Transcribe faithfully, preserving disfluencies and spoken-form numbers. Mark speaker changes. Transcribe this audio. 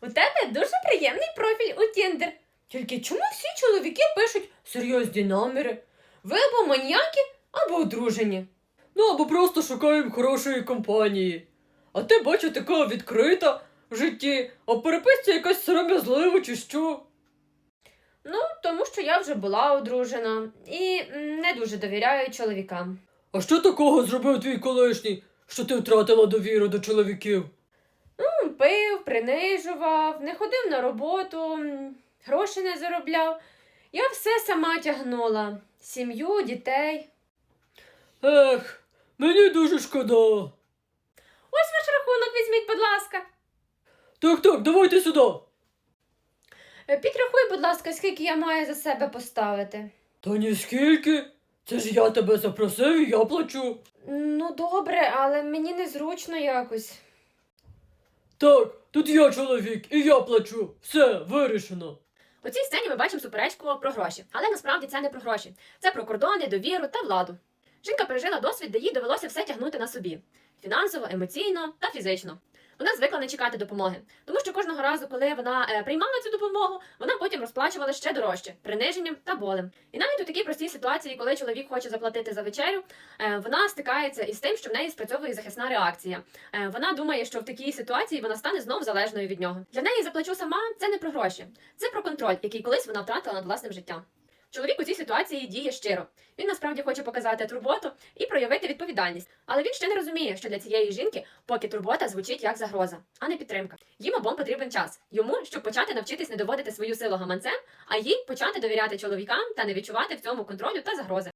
Speaker 1: У тебе дуже приємний профіль у Тіндер. Тільки чому всі чоловіки пишуть серйозні наміри? Ви або маніяки, або одружені.
Speaker 2: Ну або просто шукаємо хорошої компанії. А ти, бачу, така відкрита в житті, а в переписці якась сором'язлива чи що?
Speaker 1: Ну, тому що я вже була одружена і м, не дуже довіряю чоловікам.
Speaker 2: А що такого зробив твій колишній, що ти втратила довіру до чоловіків?
Speaker 1: Ну, пив, принижував, не ходив на роботу, м, гроші не заробляв. Я все сама тягнула. Сім'ю, дітей.
Speaker 2: Ех, мені дуже шкода.
Speaker 1: Ось ваш рахунок візьміть, будь ласка.
Speaker 2: Так, так, давайте сюди.
Speaker 1: Е, Підрахуй, будь ласка, скільки я маю за себе поставити.
Speaker 2: Та ніскільки. Це ж я тебе запросив і я плачу.
Speaker 1: Ну, добре, але мені незручно якось.
Speaker 2: Так, тут я чоловік і я плачу. Все, вирішено.
Speaker 1: У цій сцені ми бачимо суперечку про гроші, але насправді це не про гроші. Це про кордони, довіру та владу. Жінка пережила досвід, де їй довелося все тягнути на собі. Фінансово, емоційно та фізично. Вона звикла не чекати допомоги, тому що кожного разу, коли вона е, приймала цю допомогу, вона потім розплачувала ще дорожче, приниженням та болем. І навіть у такій простій ситуації, коли чоловік хоче заплатити за вечерю, е, вона стикається із тим, що в неї спрацьовує захисна реакція. Е, вона думає, що в такій ситуації вона стане знов залежною від нього. Для неї заплачу сама – це не про гроші, це про контроль, який колись вона втратила над власним життям. Чоловік у цій ситуації діє щиро. Він насправді хоче показати турботу і проявити відповідальність. Але він ще не розуміє, що для цієї жінки поки турбота звучить як загроза, а не підтримка. Їм обом потрібен час. Йому, щоб почати навчитись не доводити свою силу гаманцем, а їй почати довіряти чоловікам та не відчувати в цьому контролю та загрози.